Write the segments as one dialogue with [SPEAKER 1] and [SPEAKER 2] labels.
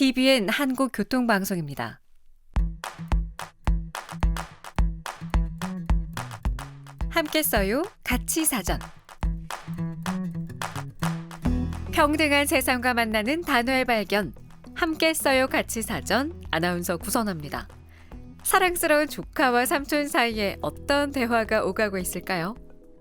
[SPEAKER 1] TVN 한국교통방송입니다. 함께 써요. 같이 사전. 평등한 세상과 만나는 단어의 발견. 함께 써요. 같이 사전. 아나운서 구선아입니다. 사랑스러운 조카와 삼촌 사이에 어떤 대화가 오가고 있을까요?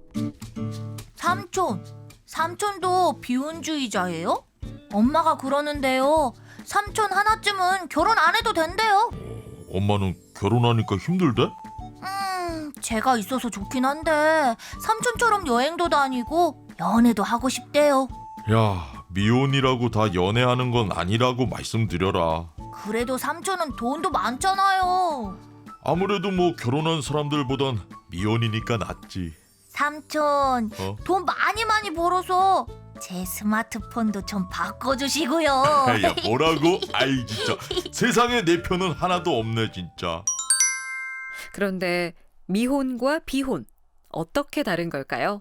[SPEAKER 2] 삼촌도 비혼주의자예요? 엄마가 그러는데요. 삼촌 하나쯤은 결혼 안 해도 된대요.
[SPEAKER 3] 엄마는 결혼하니까 힘들대?
[SPEAKER 2] 제가 있어서 좋긴 한데 삼촌처럼 여행도 다니고 연애도 하고 싶대요.
[SPEAKER 3] 야, 미혼이라고 다 연애하는 건 아니라고 말씀드려라.
[SPEAKER 2] 그래도 삼촌은 돈도 많잖아요.
[SPEAKER 3] 아무래도 뭐 결혼한 사람들보단 미혼이니까 낫지.
[SPEAKER 2] 삼촌, 돈 많이 벌어서 제 스마트폰도 좀 바꿔주시고요.
[SPEAKER 3] 야, 뭐라고? 아이 진짜 세상에 내 편은 하나도 없네 진짜.
[SPEAKER 1] 그런데 미혼과 비혼 어떻게 다른 걸까요?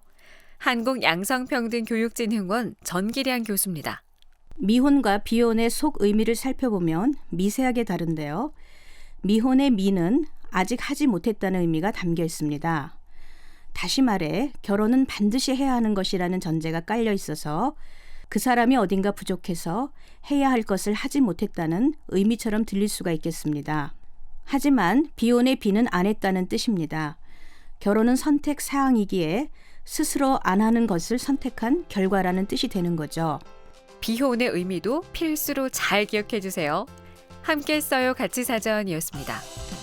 [SPEAKER 1] 한국양성평등교육진흥원 전기량 교수입니다.
[SPEAKER 4] 미혼과 비혼의 속 의미를 살펴보면 미세하게 다른데요. 미혼의 미는 아직 하지 못했다는 의미가 담겨 있습니다. 다시 말해 결혼은 반드시 해야 하는 것이라는 전제가 깔려 있어서 그 사람이 어딘가 부족해서 해야 할 것을 하지 못했다는 의미처럼 들릴 수가 있겠습니다. 하지만 비혼의 비는 안 했다는 뜻입니다. 결혼은 선택 사항이기에 스스로 안 하는 것을 선택한 결과라는 뜻이 되는 거죠.
[SPEAKER 1] 비혼의 의미도 필수로 잘 기억해 주세요. 함께 써요. 같이 사전이었습니다.